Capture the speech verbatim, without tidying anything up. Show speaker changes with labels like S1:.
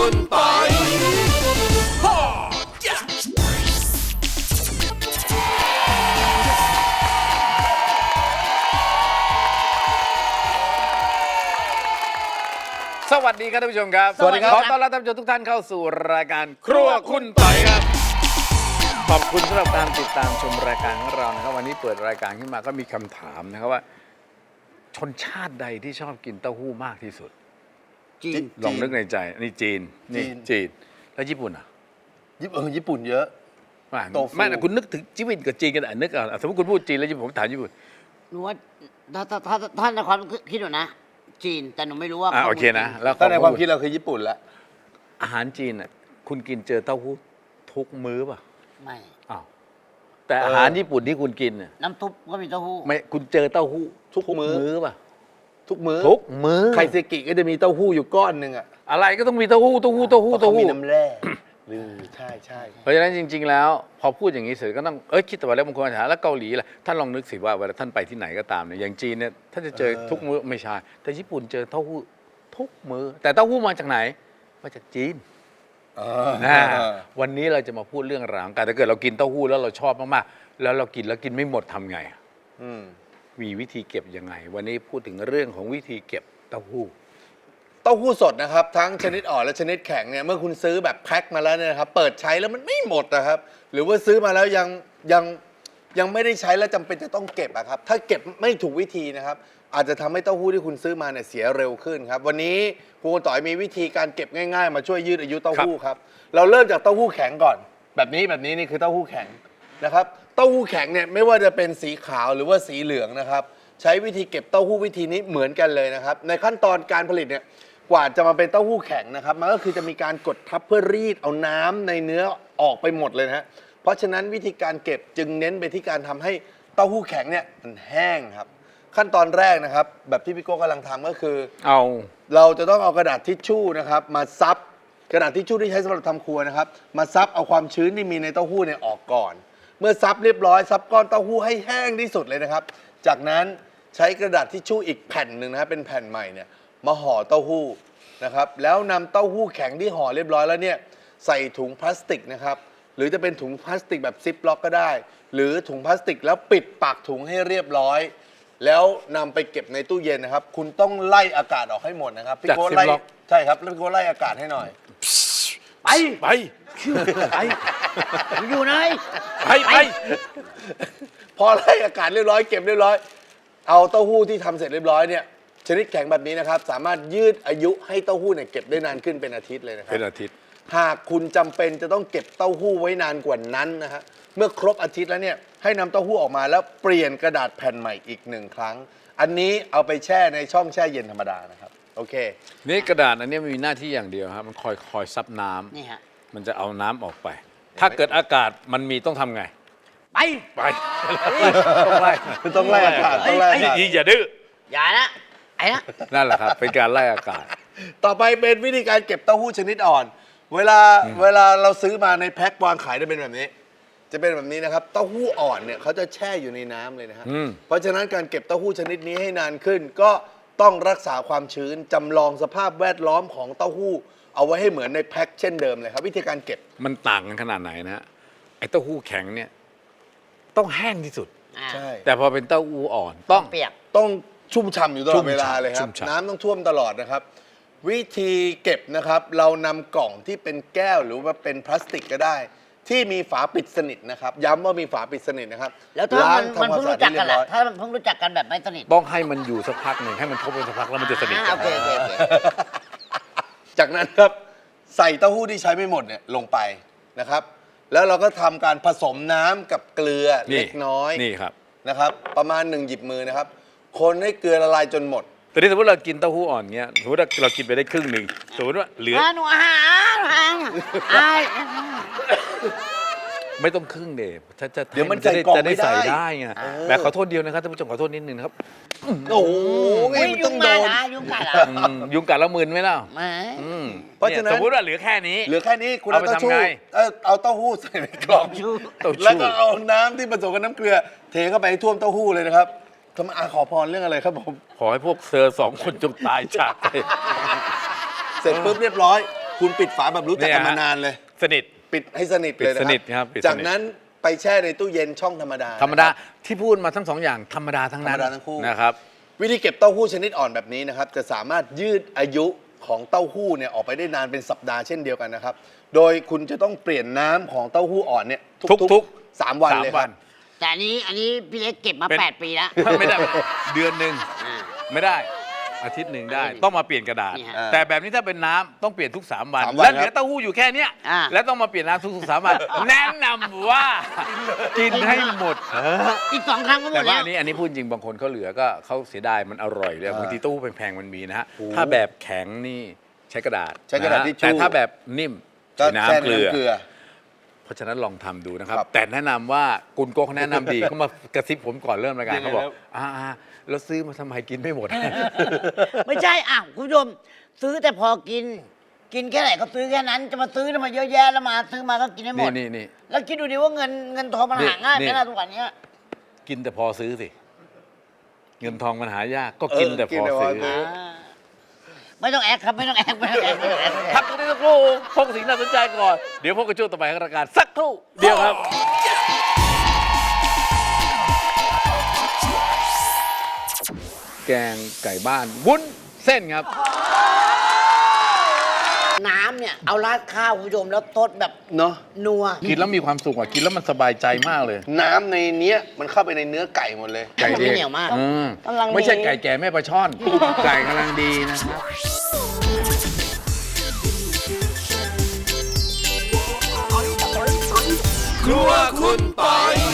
S1: คุณปอยสวัสดีครับท่านผู้ชมครับสวัสดีครับขอต้อนรับท่านผู้ชมทุกท่านเข้าสู่รายการครัวคุณปอยครับขอบคุณสำหรับการติดตามชมรายการของเรานะครับวันนี้เปิดรายการขึ้นมาก็มีคำถามนะครับว่าชนชาติใดที่ชอบกินเต้าหู้มากที่สุดจีนลองนึกในใจนี่จีนนี่จีนแล้วญี่ปุ่นอ่ะ
S2: ญี่ปุ่นญี่ปุ่นเยอะ
S1: โตฟูไม่นะคุณนึกถึงญี่ปุ่นกับจีนกันอ่ะนึกอ่ะสมมติคุณพูดจีนแล้วผมถามญี่ปุ่น
S3: หนูว่าถ้าถ้าถ้าถ้าในความคิดหนูนะจีนแต่หนูไม่รู้ว่า
S1: อ่าโอเคนะแล้ว
S2: ถ้าในความคิดเราคือญี่ปุ่นละ
S1: อาหารจีนอ่ะคุณกินเจอเต้าหู้ทุกมื้อป่ะ
S3: ไม่
S1: อ้าวแต่อาหารญี่ปุ่นที่คุณกินเนี่ย
S3: น้ำซุปก็มีเต้าหู้
S1: ไม่คุณเจอเต้าหู้ทุกมื้อป่ะ
S2: ทุกมื้อ
S1: ทุกมื้อ
S2: ไคเซกิก็จะมีเต้าหู้อยู่ก้อนหนึ่งอะ
S1: อะไรก็ต้องมีเต้าหู้เต้าหู้เต้าหู้เต้าหู้
S2: มีน้ำแร่หรือใช่ใช่
S1: เพราะฉะนั้นจริงๆแล้วพอพูดอย่างนี้เสร็จก็ต้องเอ้ยคิดแต่ว่าแล้วบางคนถามแล้วเกาหลีล่ะท่านลองนึกสิว่าเวลาท่านไปที่ไหนก็ตามเนี่ยอย่างจีนเนี่ยท่านจะเจอทุกมื้อไม่ใช่แต่ญี่ปุ่นเจอเต้าหู้ทุกมื้อแต่เต้าหู้มาจากไหนมาจากจีนนะวันนี้เราจะมาพูดเรื่องราวการถ้าเกิดเรากินเต้าหู้แล้วเราชอบมากๆแล้วเรากินแล้วกินไม่หมดทำไงมีวิธีเก็บยังไงวันนี้พูดถึงเรื่องของวิธีเก็บเต้าหู้
S2: เต้าหู้สดนะครับทั้งชนิดอ่อนและชนิดแข็งเนี่ยเมื่อคุณซื้อแบบแพ็คมาแล้วเนี่ยนะครับเปิดใช้แล้วมันไม่หมดนะครับหรือว่าซื้อมาแล้วยังยังยังไม่ได้ใช้แล้วจำเป็นจะต้องเก็บอะครับถ้าเก็บไม่ถูกวิธีนะครับอาจจะทำให้เต้าหู้ที่คุณซื้อมาเนี่ยเสียเร็วขึ้นครับวันนี้ครูต่อยมีวิธีการเก็บง่ายๆมาช่วยยืดอายุเต้าหู้ครับเราเริ่มจากเต้าหู้แข็งก่อนแบบนี้แบบนี้นี่คือเต้าหู้แข็งนะครับเต้าหู้แข็งเนี่ยไม่ว่าจะเป็นสีขาวหรือว่าสีเหลืองนะครับใช้วิธีเก็บเต้าหู้วิธีนี้เหมือนกันเลยนะครับในขั้นตอนการผลิตเนี่ยกว่าจะมาเป็นเต้าหู้แข็งนะครับมันก็คือจะมีการกดทับเพื่อรีดเอาน้ำในเนื้อออกไปหมดเลยนะฮะเพราะฉะนั้นวิธีการเก็บจึงเน้นไปที่การทำให้เต้าหู้แข็งเนี่ยมันแห้งครับขั้นตอนแรกนะครับแบบที่พี่โก้กำลังทำก็คือ
S1: เอา
S2: เราจะต้องเอากระดาษทิชชู่นะครับมาซับกระดาษทิชชู่ที่ใช้สำหรับทำครัวนะครับมาซับเอาความชื้นที่มีในเต้าหู้เนี่ยออกก่อนเมื่อซับเรียบร้อยซับก้อนเต้าหู้ให้แห้งที่สุดเลยนะครับจากนั้นใช้กระดาษทิชชู่อีกแผ่นหนึ่งนะครับเป็นแผ่นใหม่เนี่ยมาห่อเต้าหู้นะครับแล้วนำเต้าหู้แข็งที่ห่อเรียบร้อยแล้วเนี่ยใส่ถุงพลาสติกนะครับหรือจะเป็นถุงพลาสติกแบบซิปล็อกก็ได้หรือถุงพลาสติกแล้วปิดปากถุงให้เรียบร้อยแล้วนำไปเก็บในตู้เย็นนะครับคุณต้องไล่อากาศออกให้หมดนะครับพี่โก้ไล่ใช่ครับพี่โก้ไล่อากาศให้หน่อย
S1: ไปไป
S3: ไปอยู่ไหน
S1: ไปไป
S2: พอไล่อากาศเรียบร้อยเก็บเรียบร้อยเอาเต้าหู้ที่ทำเสร็จเรียบร้อยเนี่ยชนิดแข็งแบบนี้นะครับสามารถยืดอายุให้เต้าหู้เนี่ยเก็บได้นานขึ้นเป็นอาทิตย์เลยนะครับ
S1: เป็นอาทิตย์
S2: หากคุณจำเป็นจะต้องเก็บเต้าหู้ไว้นานกว่านั้นนะฮะเมื่อครบอาทิตย์แล้วเนี่ยให้นำเต้าหู้ออกมาแล้วเปลี่ยนกระดาษแผ่นใหม่อีกหนึ่งครั้งอันนี้เอาไปแช่ในช่องแช่เย็นธรรมดานะครับโอเค
S1: นี่กระดาษอันนี้มันมีหน้าที่อย่างเดียวครับมันคอยคอยซับน้ำ
S3: นี่ฮะ
S1: มันจะเอาน้ำออกไปถ้าเกิดอากาศมันมีต้องทำไง
S3: ไป
S1: ไป
S2: ต้องไล่ต้องไล่อากาศต้องไล่อากาศ
S1: อย่าดื้อ
S3: อย่านะไอ้นะ
S1: นั่นแหละครับเป็นการไล่อากาศ
S2: ต่อไปเป็นวิธีการเก็บเต้าหู้ชนิดอ่อนเวลาเวลาเราซื้อมาในแพ็ควางขายจะเป็นแบบนี้จะเป็นแบบนี้นะครับเต้าหู้อ่อนเนี่ยเขาจะแช่อยู่ในน้ำเลยนะฮะเพราะฉะนั้นการเก็บเต้าหู้ชนิดนี้ให้นานขึ้นก็ต้องรักษาความชื้นจำลองสภาพแวดล้อมของเต้าหู้เอาไว้ให้เหมือนในแพ็คเช่นเดิมเลยครับวิธีการเก็บ
S1: มันต่างกันขนาดไหนนะฮะไอ้เต้าหู้แข็งเนี่ยต้องแห้งที่สุด
S2: ใช่
S1: แต่พอเป็นเต้าหู้อ่อนต้อง
S3: เปียก
S2: ต้องชุ่มฉ่ำอยู่ตลอดเวลาเลยครับน้ำต้องท่วมตลอดนะครับวิธีเก็บนะครับเรานำกล่องที่เป็นแก้วหรือว่าเป็นพลาสติกก็ได้ที่มีฝาปิดสนิทนะครับย้ำว่ามีฝาปิดสนิทนะครับ
S3: แล้วถ้ามันมันเพิ่งรู้จักกันล่ะถ้ามันเพิ่งรู้จักกันแบบไม่สนิท
S1: ต้องให้มันอยู่สักพักหนึ่งให้มันทบกันสักพักแล้วมันจะสนิท
S3: โอเคโอเคโอเค
S2: จากนั้นครับใส่เต้าหู้ที่ใช้ไม่หมดเนี่ยลงไปนะครับแล้วเราก็ทำการผสมน้ำกับเกลือเล็กน้อย
S1: นี่ครับ
S2: นะครับประมาณหนึ่งหยิบมือนะครับคนให้เกลือละลายจนหมด
S1: แต่นี่สมมติเรากินเต้าหู้อ่อนเงี้ยสมมติว่าเรากินไปได้ครึ่งหนึ่งสมมติว่าเหลือ
S3: หนูอาหาร
S1: ไม่ต้องครึ่งเดบถ้าจะ
S2: เดี๋ยวมันจะได้
S1: ใส่ได้ไงแบบขอโทษเดียวนะครับท่านผู้ชมขอโทษนิดนึงครับ
S2: โอ้โหยุงกัด
S3: ยุงกัด
S1: ยุงกัดแล้วมึนไหมล่ะ
S3: ไม่
S1: เพราะฉะนั้นสมมติว่าเหลือแค่นี้
S2: เหลือแค่นี้คุณเอาเต้าหู้เอาเต้าหู้ใส่ในกล่องแล้วก็เอาน้ำที่ผสมกับน้ำเกลือเทเข้าไปให้ท่วมเต้าหู้เลยนะครับทำไมอาขอพรเรื่องอะไรครับผม
S1: ขอให้พวกเซอร์สองคนจงตายจากไป
S2: เสร็จปุ๊บเรียบร้อยคุณปิดฝาแบบรู้จักกันมานานเลย
S1: สนิท
S2: ปิดให้สนิทเลยนะ
S1: ปิดสนิทครับปิดสนิท
S2: จากนั้นไปแช่ในตู้เย็นช่องธรรมดา
S1: ธรรมดา
S2: นะคบ
S1: ที่พูดมาทั้งสองอย่างธรรมดาทั้งนั้น
S2: ธรรมดาทั้งคู่
S1: นะครับ
S2: วิธีเก็บเต้าหู้ชนิดอ่อนแบบนี้นะครับจะสามารถยืดอายุของเต้าหู้เนี่ยออกไปได้นานเป็นสัปดาห์เช่นเดียวกันนะครับ โดยคุณจะต้องเปลี่ยนน้ำของเต้าหู้อ่อนเนี่ย
S1: ทุกๆ
S2: สามวัน
S1: สาม
S2: เลยค
S1: วั
S2: รับ
S1: น
S3: แต่อันนี้อันนี้พี่เล็กเก็บมา
S1: เป็น
S3: แปดปีแล้ว
S1: ไม่ได้เดือนหนึ่ง
S3: อ่า
S1: ไม่ได้อาทิตย์หนึ่งได้
S3: อาทิตย์หนึ่ง
S1: ต้องมาเปลี่ยนกระดาษ
S3: นี่ฮะ
S1: แต่แบบนี้ถ้าเป็นน้ำต้องเปลี่ยนทุก 3 วัน
S2: สามวัน
S1: แล้วเหลื
S2: ครั
S1: อบ เต้าหู้อยู่แค่เนี้ย
S3: อ่า
S1: แล้วต้องมาเปลี่ยนน้ำทุกๆสามวัน แนะนำว่ากินให้หมด
S3: อีกสองครั้งก็หม
S1: แต่
S3: ด
S1: ว่า
S3: แล้ว
S1: อันนี้อันนี้พูดจริงบางคนเขาเหลือก็เขาเสียดายมันอร่อยเลย
S2: อ่า
S1: บางทีเต้าหู้แพงๆมันมีนะฮะ
S2: โอ้
S1: ถ้าแบบแข็งนี่ใช้กระดาษ
S2: ใช้กระดาษ
S1: นฮ
S2: ทิชชู่
S1: แต่ถ้าแบบนิ่ม
S2: ก็
S1: ใช้
S2: แช่
S1: น้ำ
S2: ใน
S1: เกลือ
S2: น้ำเกลือ
S1: เพราะฉะนั้นลองทำดูนะครับ
S2: ครับ
S1: แต่แนะนำว่ากุนโก้เขาแนะนำดี เขามากระซิบผมก่อนเริ่มรายการ
S2: ยังไง
S1: เขาบอก
S2: ครับ
S1: อ่าๆแล้วซื้อมาทำไมกินไม่หมด
S3: ไม่ใช่อ่ะคุณผู้ชมซื้อแต่พอกิน กินแค่ไหนก็ซื้อแค่นั้น จะมาซื้อทำไมเยอะแยะแล้วมาซื้อมาก็กินให้หม
S1: นี่
S3: ด
S1: นี่นี่
S3: แล้วคิดดูดิว่าเงินเงินทองมัน
S1: นี่
S3: หาง่ายไห
S1: นี่
S3: มล่ะทุกวันเนี้ย
S1: กินแต่พอซื้อสิ เงินทองมันหายากก็กิน
S2: เออ
S1: แต่
S2: กิ
S1: พ
S2: น
S1: อ
S2: แต่พอ
S1: ซื้อ
S2: ซื้อ
S3: อ่าไม่ต้องแอคครับไม่ต้องแอคไม่ต้องแอคไม่ต้องแอคไม่ต้องแอ
S1: พั
S3: ค
S1: กกันสักครู่พบกับสิ่งน่าสนใจก่อน เดี๋ยวพบกับช่วงต่อไปของรายการสักครู่เดียวครับ แกงไก่บ้านวุ้นเส้นครับ
S3: น้ำเนี่ยเอาราดข้าวคุณผู้ชมแล้วทดแบบ
S2: เนาะ
S3: นัว
S1: กินแล้วมีความสุขอ่ะกินแล้วมันสบายใจมากเลย
S2: น้ำในเนี้ยมันเข้าไปในเนื้อไก่หมดเลย
S1: ไก่
S3: ไม่เหนียวมาก
S1: อืม
S3: กำลังดี
S1: ไม่ใช่ไก่แก่แม่ปลาช่อน ไก่กำลังดีนะครับ
S4: ครัวคุณปอย